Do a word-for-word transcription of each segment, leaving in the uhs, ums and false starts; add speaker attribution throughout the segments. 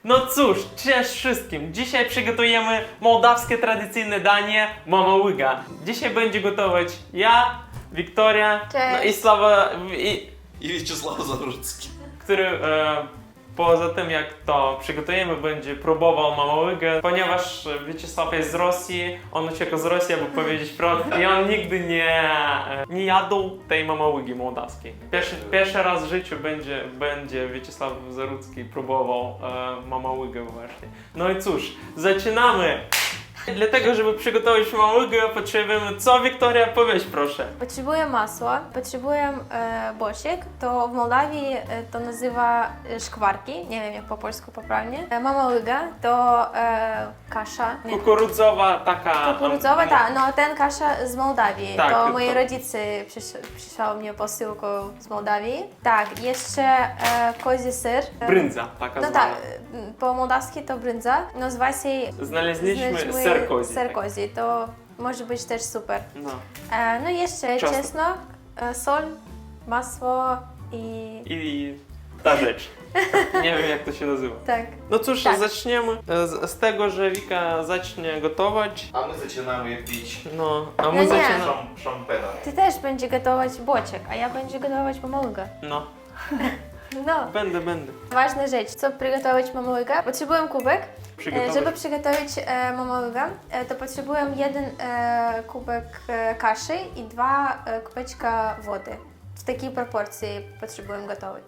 Speaker 1: No cóż, cześć wszystkim! Dzisiaj przygotujemy mołdawskie tradycyjne danie mama łyga. Dzisiaj będzie gotować ja, Wiktoria,
Speaker 2: Cześć.
Speaker 1: no i Sława, i,
Speaker 3: I Wieczysław Zarudzki.
Speaker 1: który e, poza tym jak to przygotujemy będzie próbował mama łygę, ponieważ Wieczysław jest z Rosji, on uciekł z Rosji, aby powiedzieć prawdę i on nigdy nie, e, nie jadł tej mama łygi mołdawskiej. Pierwszy, pierwszy raz w życiu będzie, będzie Wieczysław Zarudzki próbował e, mama łygę właśnie. No i cóż, zaczynamy! Dlatego, żeby przygotować mama łygę, potrzebujemy co, Wiktoria? Powiedz proszę.
Speaker 2: Potrzebuję masła, potrzebuję e, bosiek, to w Mołdawii e, to nazywa e, szkwarki, nie wiem jak po polsku poprawnie. E, mama łyga to e, kasza. Nie.
Speaker 1: Kukurydzowa taka...
Speaker 2: Kukurydzowa, tak, no ten kasza z Mołdawii.
Speaker 1: Tak,
Speaker 2: to
Speaker 1: to-
Speaker 2: moi rodzice przysz, przysłały mnie posyłką z Mołdawii. Tak, jeszcze e, kozi ser. E,
Speaker 1: Brędza taka
Speaker 2: No
Speaker 1: zwana.
Speaker 2: tak, e, po mołdawski to brędza. Nazywa się
Speaker 1: Znaleźliśmy
Speaker 2: znaleźliśmy
Speaker 1: ser kozi.
Speaker 2: ser kozi, to może być też super.
Speaker 1: No.
Speaker 2: E, no i jeszcze
Speaker 1: Czosnek.
Speaker 2: czosnek, e, sol, masło i...
Speaker 1: I ta rzecz. Nie wiem jak to się nazywa.
Speaker 2: Tak.
Speaker 1: No cóż,
Speaker 2: Tak.
Speaker 1: zaczniemy z, z tego, że Wika zacznie gotować.
Speaker 3: A my zaczynamy pić
Speaker 1: No, a my
Speaker 2: No nie.
Speaker 1: zaczynamy.
Speaker 3: szam, szampena.
Speaker 2: Ty też będzie gotować boczek, a ja będzie gotować mamałygę.
Speaker 1: No,
Speaker 2: No.
Speaker 1: będę, będę.
Speaker 2: Ważna rzecz, co przygotować mamałygę? Potrzebuję kubek. E,
Speaker 1: Przygotować.
Speaker 2: żeby przygotować e, mamałygę, e, to potrzebuję jeden e, kubek e, kaszy i dwa e, kubeczka wody. W takiej proporcji potrzebuję gotować.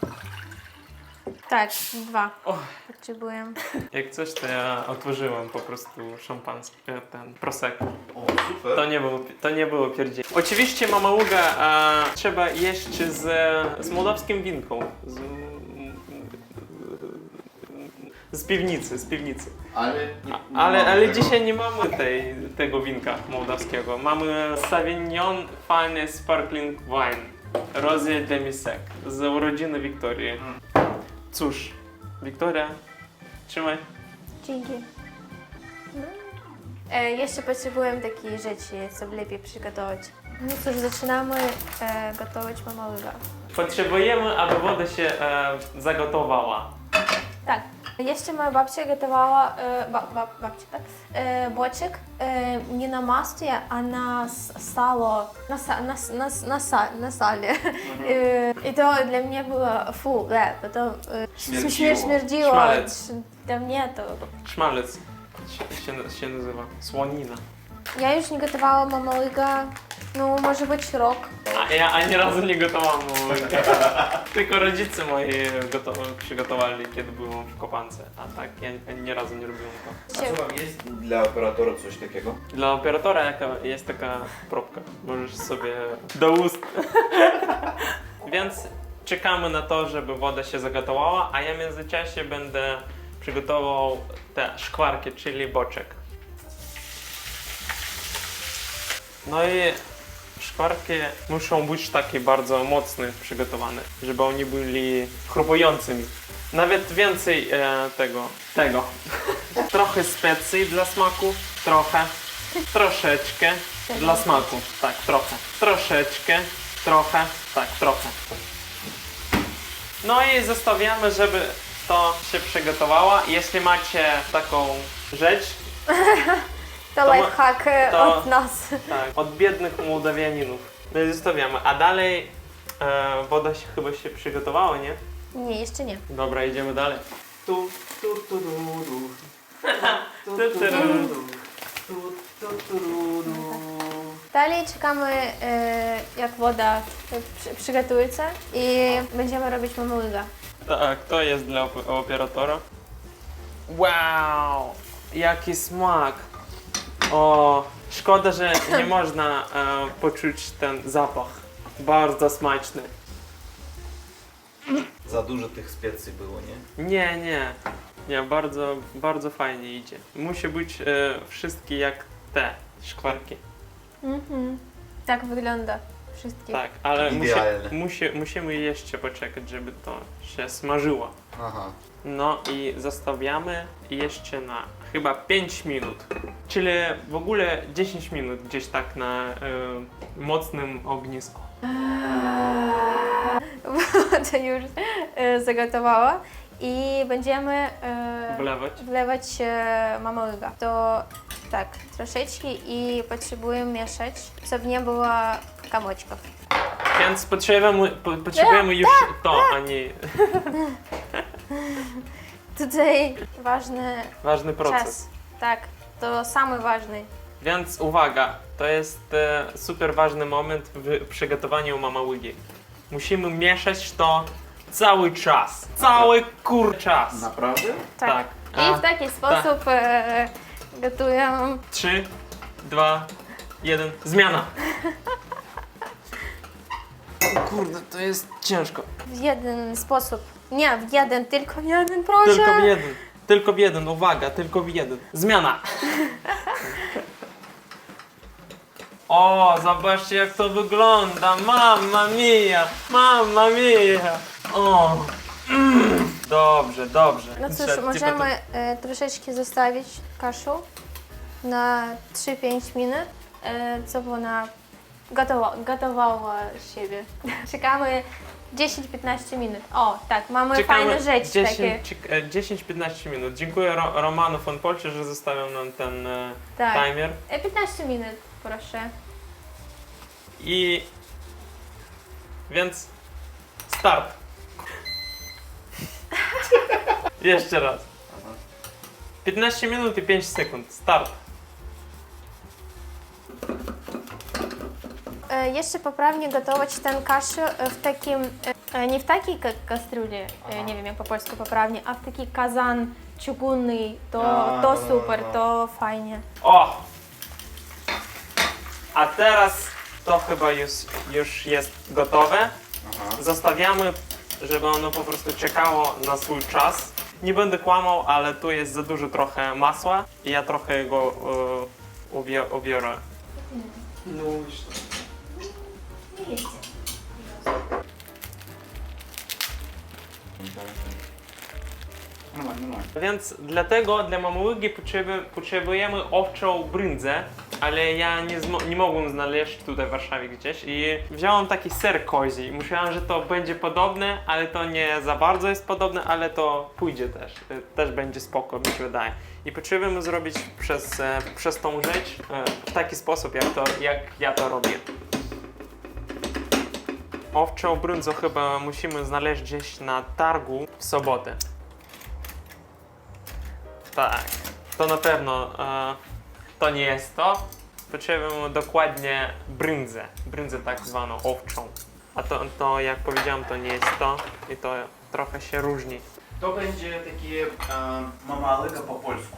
Speaker 2: Tak, dwa.
Speaker 1: O.
Speaker 2: Potrzebuję.
Speaker 1: Jak coś, to ja otworzyłem po prostu szampański, e, ten prosecco.
Speaker 3: O, super.
Speaker 1: To nie było, to nie było pierdziel. Oczywiście mama łyga e, trzeba jeść z, z mołdawskim winką. Z, z piwnicy, z piwnicy.
Speaker 3: Ale, nie, nie
Speaker 1: Ale,
Speaker 3: mamy
Speaker 1: ale
Speaker 3: tego.
Speaker 1: dzisiaj nie mamy tej, tego winka mołdawskiego. Mamy Sauvignon Fine Sparkling Wine Rosé Demi-Sec z urodziny Wiktorii. Cóż, Wiktoria, trzymaj.
Speaker 2: Dzięki. E, jeszcze potrzebuję takiej rzeczy, co lepiej przygotować. No cóż, zaczynamy e, gotować mamałygę.
Speaker 1: Potrzebujemy, aby woda się e, zagotowała.
Speaker 2: Tak. Jeszcze moja babcia gotowała, e, ba, ba, babcia, tak? E, boczek e, nie na masle, a na s- salo, na, sa, na, s- na, s- na, sa, na sale. E, I to dla mnie było fu, le, bo to e,
Speaker 3: Śmierdziło.
Speaker 2: śmier- śmierdziło.
Speaker 1: Szmalec.
Speaker 2: Dla mnie to...
Speaker 1: Szmalec się, się, się nazywa. Słonina.
Speaker 2: Ja już nie gotowała mamałygę, no może być rok.
Speaker 1: A ja ani razu nie gotowałam małego. Tylko rodzice moi goto- przygotowali, kiedy byłem w kopance. A tak, ja ani razu nie robiłem to.
Speaker 3: A co wam jest dla operatora coś takiego?
Speaker 1: Dla operatora jaka jest taka próbka. Możesz sobie do ust. Więc czekamy na to, żeby woda się zagotowała, a ja w międzyczasie będę przygotował te szkwarki, czyli boczek. No i szkwarki muszą być takie bardzo mocne przygotowane, żeby oni byli chrupującymi. Nawet więcej e, tego, tego. Trochę specji dla smaku, trochę, troszeczkę dla smaku, tak, trochę, troszeczkę, trochę, tak, trochę. No i zostawiamy, żeby to się przygotowało. Jeśli macie taką rzecz,
Speaker 2: To
Speaker 1: To ma-
Speaker 2: lifehack e,
Speaker 1: to-
Speaker 2: od nas.
Speaker 1: tak, od biednych Mołdawianinów. No i zostawiamy. A dalej e, woda się chyba się przygotowała, nie?
Speaker 2: Nie, jeszcze nie.
Speaker 1: Dobra, idziemy dalej. Tu, tu, tu, ru, ru. Tu, tu, ru, ru. Tu, tu, tu, ru, ru.
Speaker 2: Dalej czekamy, e, jak woda e, przy, przygotuje się i będziemy robić mamałygę.
Speaker 1: Tak, to jest dla op- operatora. Wow, jaki smak! O, szkoda, że nie można e, poczuć ten zapach. Bardzo smaczny.
Speaker 3: Za dużo tych specji było, nie?
Speaker 1: Nie, nie. Nie, bardzo, bardzo fajnie idzie. Musi być e, wszystkie jak te szkwarki.
Speaker 2: Mhm. Tak wygląda wszystkie.
Speaker 1: Tak, ale musi,
Speaker 3: Idealne.
Speaker 1: musi, musimy jeszcze poczekać, żeby to się smażyło.
Speaker 3: Aha.
Speaker 1: No i zostawiamy jeszcze na chyba pięć minut. Czyli w ogóle dziesięć minut gdzieś tak na e, mocnym ognisku.
Speaker 2: To już e, zagotowała i będziemy e,
Speaker 1: Wlewać.
Speaker 2: wlewać e, mama łyga. To tak, troszeczkę i potrzebujemy mieszać, żeby nie było kamoczków.
Speaker 1: Więc potrzebujemy, po- potrzebujemy już to, a nie
Speaker 2: Tutaj ważny
Speaker 1: ważny proces.
Speaker 2: czas. Tak, to samy ważny.
Speaker 1: Więc uwaga, to jest e, super ważny moment w przygotowaniu mama łygi. Musimy mieszać to cały czas. Cały kur czas.
Speaker 3: Naprawdę?
Speaker 2: Tak.
Speaker 1: Tak.
Speaker 2: I
Speaker 1: A,
Speaker 2: w taki sposób e, gotuję
Speaker 1: trzy, dwa, jeden, zmiana. O kurde, to jest ciężko.
Speaker 2: w jeden sposób. Nie, w jeden, tylko w jeden, proszę.
Speaker 1: Tylko w jeden. Tylko w jeden, uwaga, tylko w jeden. Zmiana. O, zobaczcie jak to wygląda. Mamma mia, mamma mia. O. Mm. Dobrze, dobrze.
Speaker 2: No cóż,
Speaker 1: Trzeba-
Speaker 2: możemy
Speaker 1: tylko
Speaker 2: e, troszeczkę zostawić kaszu na trzy pięć minut, e, co ona gotowa, gotowała siebie. Czekamy dziesięć piętnaście minut. O, tak, mamy
Speaker 1: Czekamy
Speaker 2: fajne rzeczy takie.
Speaker 1: dziesięć, e, dziesięć piętnaście minut. Dziękuję Ro, Romanu von Polcie, że zostawił nam ten e,
Speaker 2: Tak.
Speaker 1: timer.
Speaker 2: E, piętnaście minut, proszę.
Speaker 1: I... Więc... Start. Jeszcze raz. piętnaście minut i pięć sekund. Start.
Speaker 2: E, jeszcze poprawnie gotować ten kaszę e, w takim, e, nie w takiej ka kastruli, e, nie wiem jak po polsku poprawnie, a w taki kazan чугунny, to,
Speaker 3: A,
Speaker 2: to
Speaker 3: no,
Speaker 2: super,
Speaker 3: no.
Speaker 2: to fajnie.
Speaker 1: O! A teraz to chyba już, już jest gotowe.
Speaker 3: Aha.
Speaker 1: Zostawiamy, żeby ono po prostu czekało na swój czas. Nie będę kłamał, ale tu jest za dużo trochę masła i ja trochę go e, ubie, ubiorę. No i co?
Speaker 3: Нормально, нормально.
Speaker 1: Więc dlatego dla mamułygi potrzeby, potrzebujemy owczą bryndzę, ale ja nie, zmo- nie mogłem znaleźć tutaj w Warszawie gdzieś i wziąłem taki ser kozi i myślałem, że to będzie podobne, ale to nie za bardzo jest podobne, ale to pójdzie też, y, też będzie spoko, mi się wydaje. I potrzebujemy zrobić przez, e, przez tą rzecz e, w taki sposób, jak, to, jak ja to robię. Owczą bryndzę chyba musimy znaleźć gdzieś na targu w sobotę. Tak, to na pewno e, to nie jest to. Potrzebujemy dokładnie bryndzę, bryndzę tak zwaną owczą. A to, to jak powiedziałem, to nie jest to i to trochę się różni.
Speaker 3: To będzie takie e, mama łyga po polsku.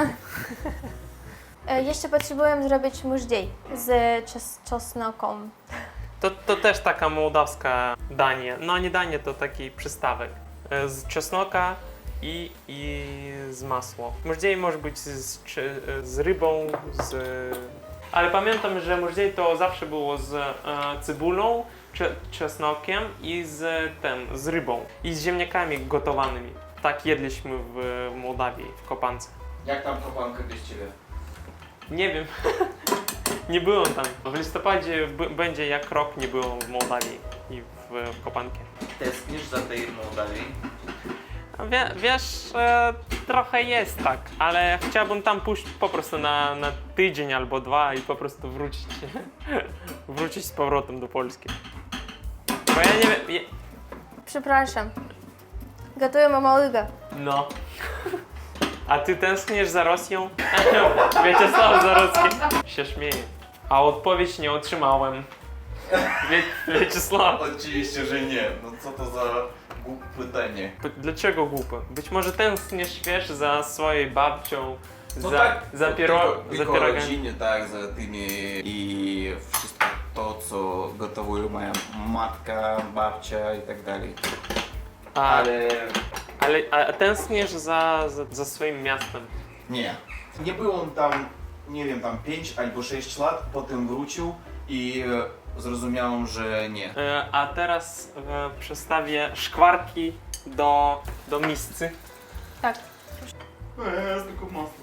Speaker 2: E, jeszcze potrzebujemy zrobić mużdziej z czos czosnką.
Speaker 1: To, to też taka mołdawska danie. No nie danie, to taki przystawek. E, Z czosnka i, i z masło. Możdziej może być z, czy, z rybą, z... Ale pamiętam, że możdziej to zawsze było z e, cebulą, cze, czosnkiem i z tym, z rybą. I z ziemniakami gotowanymi. Tak jedliśmy w Mołdawii, w Kopance.
Speaker 3: Jak tam kopanka bez ciebie?
Speaker 1: Nie wiem. Nie byłem tam. W listopadzie b- będzie jak rok nie byłem w Mołdawii i w, w Kopankie.
Speaker 3: Tęsknisz za tej Mołdawii?
Speaker 1: Wie, wiesz, e, trochę jest tak, ale chciałbym tam pójść po prostu na, na tydzień albo dwa i po prostu wrócić, wrócić z powrotem do Polski. Bo ja nie wiem, je,
Speaker 2: Przepraszam. Gotuję mama łyga.
Speaker 1: no. A ty tęskniesz za Rosją? Wiaczesław Zarocki się śmieje. A odpowiedź nie otrzymałem. Wie, Wiaczesław.
Speaker 3: Oczywiście, że nie. No co to za głupie pytanie.
Speaker 1: P- Dlaczego głupy? Być może tęskniesz, wiesz, za swoją babcią,
Speaker 3: No
Speaker 1: za,
Speaker 3: tak,
Speaker 1: za,
Speaker 3: tylko-
Speaker 1: piero,
Speaker 3: tylko
Speaker 1: za pierogami.
Speaker 3: rodzinie, tak, za tymi i wszystko to, co gotowuje moja matka, babcia i tak dalej.
Speaker 1: A,
Speaker 3: Ale
Speaker 1: ale a tęskniesz za, za, za swoim miastem.
Speaker 3: nie. Nie byłem tam, nie wiem, tam pięć albo sześć lat, potem wrócił i e, zrozumiałem, że nie.
Speaker 1: E, A teraz e, przestawię szkwarki do, do miscy.
Speaker 2: Tak.
Speaker 3: Eee, tylko masło.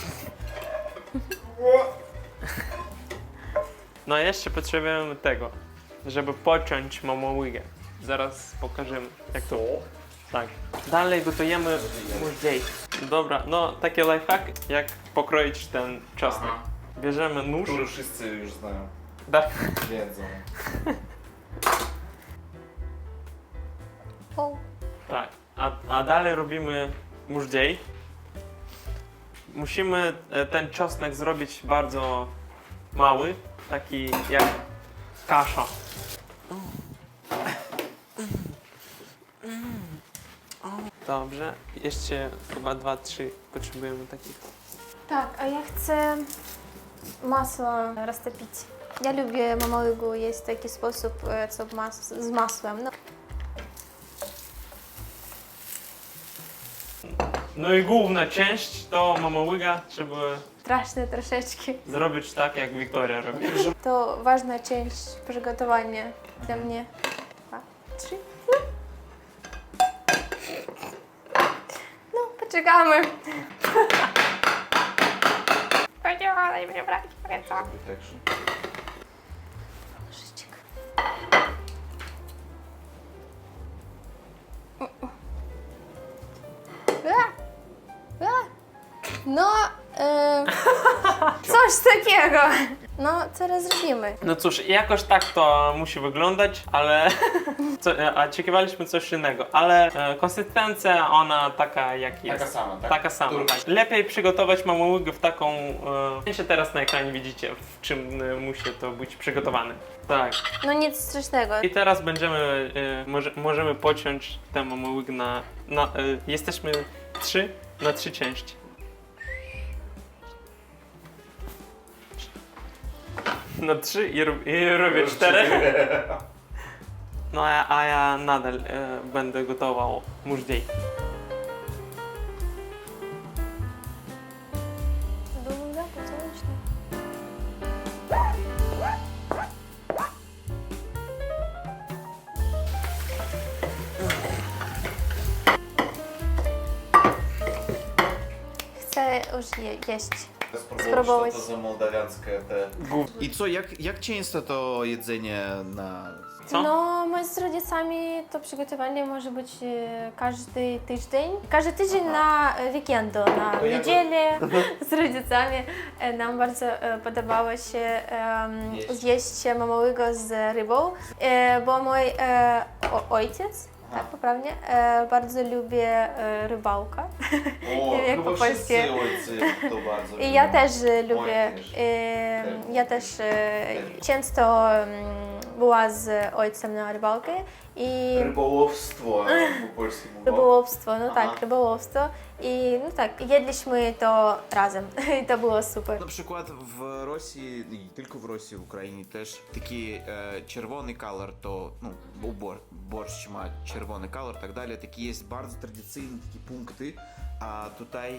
Speaker 1: No jeszcze potrzebujemy tego, żeby pociąć mamołygę. Zaraz pokażemy jak to. Tak. Dalej gotujemy mużdziej. Dobra, no taki lifehack, jak pokroić ten czosnek.
Speaker 3: Aha.
Speaker 1: Bierzemy nóż.
Speaker 3: Który wszyscy już znają,
Speaker 1: Tak.
Speaker 3: wiedzą.
Speaker 2: O,
Speaker 1: Tak. A, a dalej robimy mużdziej. Musimy e, ten czosnek zrobić bardzo mały, taki jak kasza. Dobrze, jeszcze chyba dwa, trzy potrzebujemy takich.
Speaker 2: tak, a ja chcę masło roztopić. Ja lubię mamałygu, jest taki sposób e, co mas z masłem. No.
Speaker 1: No i główna część to mama łyga, trzeba
Speaker 2: Straszne troszeczkę.
Speaker 1: zrobić tak, jak Wiktoria robi.
Speaker 2: To ważna część przygotowania dla mnie. Dwa, trzy. No, poczekamy. Podziałaj mnie brać w ręce. Nożyczek. A! A! No, e, coś takiego. No, teraz zrobimy.
Speaker 1: No cóż, jakoś tak to musi wyglądać, ale co, a oczekiwaliśmy coś innego, ale e, konsystencja ona taka jak jest.
Speaker 3: Taka sama, tak?
Speaker 1: Taka sama,
Speaker 3: Który-
Speaker 1: tak. Lepiej przygotować mama łygę w taką, e, się teraz na ekranie widzicie, w czym e, musi to być przygotowane. Tak.
Speaker 2: No nic strasznego.
Speaker 1: I teraz będziemy, e, może, możemy pociąć tę mama łygę na, na e, jesteśmy trzy na trzy części. Na trzy i, rob, i robię cztery. No a, a ja nadal e, będę gotował mużdziej.
Speaker 2: Długo, pocałucznie. Chcę już je, jeść. Spróbować.
Speaker 3: Co to za mołdawianskie te...
Speaker 1: Gów...
Speaker 3: I co, jak, jak często to jedzenie na...
Speaker 1: Co?
Speaker 2: No, my z rodzicami to przygotowanie może być e, każdy tydzień. Każdy tydzień na e, weekendu, na
Speaker 3: To ja go-
Speaker 2: niedzielę z rodzicami. E, Nam bardzo e, podobało się em,
Speaker 3: Jeść.
Speaker 2: zjeść mamałygo z rybą, e, bo mój e, o, ojciec,
Speaker 3: Aha.
Speaker 2: tak poprawnie, e, bardzo lubi e, rybałkę.
Speaker 3: O,
Speaker 2: Jak
Speaker 3: chyba
Speaker 2: po polsku.
Speaker 3: wszyscy ojcy to bardzo
Speaker 2: I ja
Speaker 3: lubią.
Speaker 2: też e, lubię,
Speaker 3: też.
Speaker 2: e,
Speaker 3: Też.
Speaker 2: ja też e,
Speaker 3: Też.
Speaker 2: często mm, była z ojcem na rybałkę i
Speaker 3: Rybołówstwo po polsku mówią.
Speaker 2: rybołówstwo, no
Speaker 3: Aha.
Speaker 2: tak, rybołówstwo i no tak, jedliśmy to razem i to było super.
Speaker 3: Na przykład w Rosji, nie tylko w Rosji, w Ukrainie też taki e, czerwony kolor, to no, bo bor, borщ ma czerwony kolor, tak dalej, takie jest bardzo tradycyjne takie punkty, a tutaj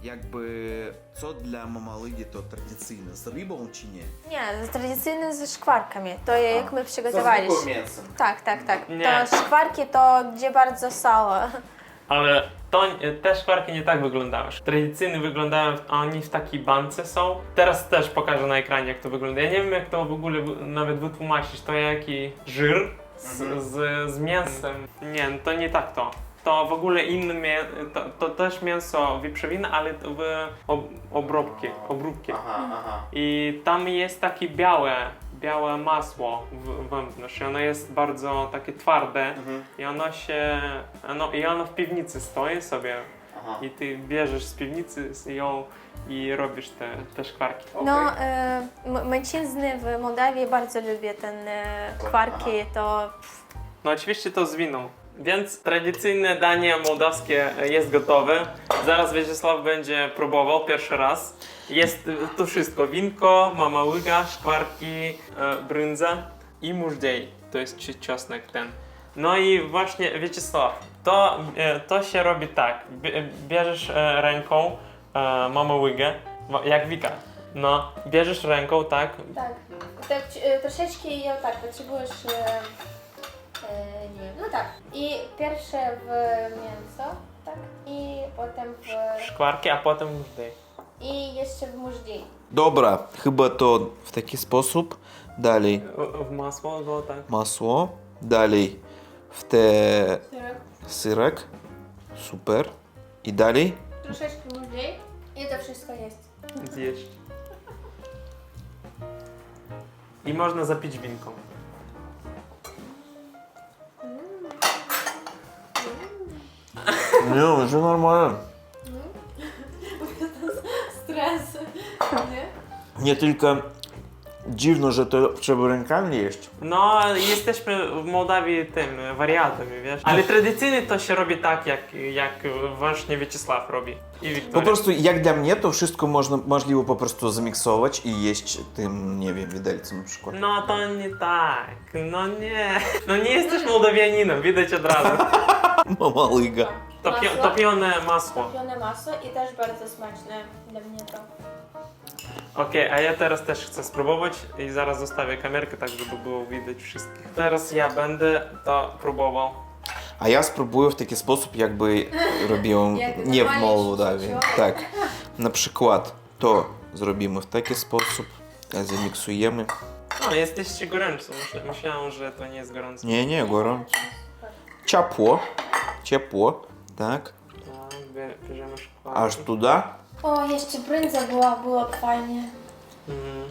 Speaker 3: jakby co dla mamalygi to tradycyjne, z rybą czy nie?
Speaker 2: Nie, tradycyjne ze szkwarkami, to jak my
Speaker 3: Z
Speaker 2: przygotowaliśmy.
Speaker 3: zwykłym mięsem.
Speaker 2: Tak, tak, tak.
Speaker 1: Nie.
Speaker 2: To szkwarki to gdzie bardzo sало.
Speaker 1: Ale to, te szkwarki nie tak wyglądały. Tradycyjnie wyglądają, a oni w takiej bance są. Teraz też pokażę na ekranie, jak to wygląda. Ja nie wiem, jak to w ogóle wy- nawet wytłumaczyć. To jaki żir z,
Speaker 3: Mhm.
Speaker 1: z, z mięsem. Nie, no to nie tak to. To w ogóle inne mię- to, to też mięso wieprzowina, ale to w ob, obróbki, obróbki.
Speaker 3: Aha, aha.
Speaker 1: I tam jest takie białe, białe masło w- wewnątrz. I ono jest bardzo takie twarde.
Speaker 3: Mhm.
Speaker 1: I ono się, no, i ono w piwnicy stoi sobie
Speaker 3: Aha.
Speaker 1: i ty bierzesz z piwnicy z ją i robisz te, te szkwarki.
Speaker 2: No,
Speaker 3: Okej.
Speaker 2: e, m- mężczyzny w Mołdawii bardzo lubią ten e, szkwarki, to
Speaker 1: No oczywiście to z winą. Więc tradycyjne danie mołdawskie jest gotowe. Zaraz Wiesław będzie próbował pierwszy raz. Jest y, to wszystko. Winko, mama łyga, szkwarki, e, brędza i mużdziej. To jest ci- czosnek ten. No i właśnie Wiesław, to, e, to się robi tak. Bie- Bierzesz e, ręką e, mama łygę, wa- jak Wika. No, bierzesz ręką, tak?
Speaker 2: tak, tak e, troszeczkę ją tak potrzebujesz, e, e, nie wiem, no tak. I pierwsze w mięso, tak, i potem w,
Speaker 1: Szkwarki, a potem mużdziej.
Speaker 2: i jeszcze w mużdziej.
Speaker 3: Dobra, chyba to w taki sposób. Dalej
Speaker 1: W- W masło go tak.
Speaker 3: masło, dalej w te syrek. Super. I dalej?
Speaker 2: Troszeczkę mniej i to wszystko jest.
Speaker 1: Zjeść. I można zapić winką.
Speaker 3: Nie, że normalnie.
Speaker 2: Stres, nie?
Speaker 3: Nie tylko dziwno, że to trzeba rękami jeść.
Speaker 1: No, jesteśmy w Mołdawii tym wariatami, wiesz? Ale tradycyjnie to się robi tak, jak, jak właśnie Wieczysław robi. I
Speaker 3: Po
Speaker 1: Wiktoria.
Speaker 3: prostu jak dla mnie to wszystko można, możliwe po prostu zamiksować i jeść tym, nie wiem, widelcem na przykład.
Speaker 1: No to nie tak, no nie. No nie jesteś Mołdawianinem, widać od razu.
Speaker 3: Mama lyga.
Speaker 1: Topio,
Speaker 2: Masło?
Speaker 1: topione masło.
Speaker 2: Topione masło i też bardzo smaczne dla mnie to.
Speaker 1: Okej, a ja teraz też chcę spróbować i zaraz zostawię kamerkę, tak żeby było widać wszystkich. Teraz ja będę to próbował.
Speaker 3: A ja spróbuję w taki sposób, jakby robiłem
Speaker 2: Jak
Speaker 3: nie w
Speaker 2: normalnie
Speaker 3: Mołdawii.
Speaker 2: się
Speaker 3: Tak. Na przykład to zrobimy w taki sposób, zamiksujemy.
Speaker 1: No, jesteście gorący, Myślę- myślałem, że to nie jest gorące.
Speaker 3: Nie, nie, gorąco. Ciepło, ciepło, tak,
Speaker 1: Tak, bie- bierzemy szkło.
Speaker 3: aż tuda.
Speaker 2: O, jeszcze brędza była, było fajnie.
Speaker 1: Mhm.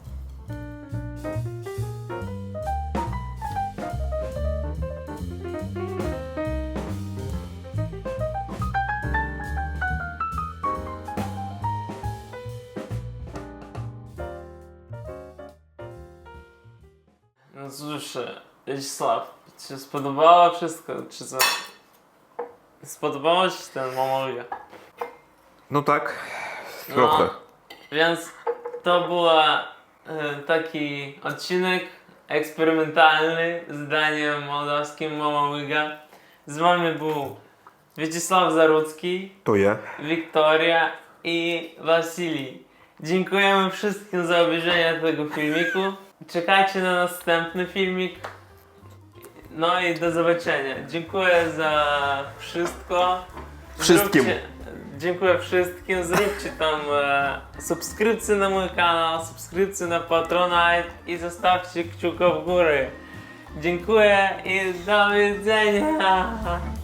Speaker 1: No cóż, Wiesław, ci się spodobało wszystko, czy co? Spodobało ci się ten mamolia?
Speaker 3: No tak,
Speaker 1: No.
Speaker 3: trochę.
Speaker 1: Więc to był e, taki odcinek eksperymentalny z daniem mołdawskim Mama Łyga. Z wami był Wieczysław Zarudzki,
Speaker 3: To ja.
Speaker 1: Wiktoria i Wasilij. Dziękujemy wszystkim za obejrzenie tego filmiku. Czekajcie na następny filmik. No i do zobaczenia. Dziękuję za wszystko.
Speaker 3: Wszystkim.
Speaker 1: Zróbcie, dziękuję wszystkim. Zróbcie tam e, subskrypcję na mój kanał, subskrypcję na Patronite i zostawcie kciuka w górę. Dziękuję i do widzenia.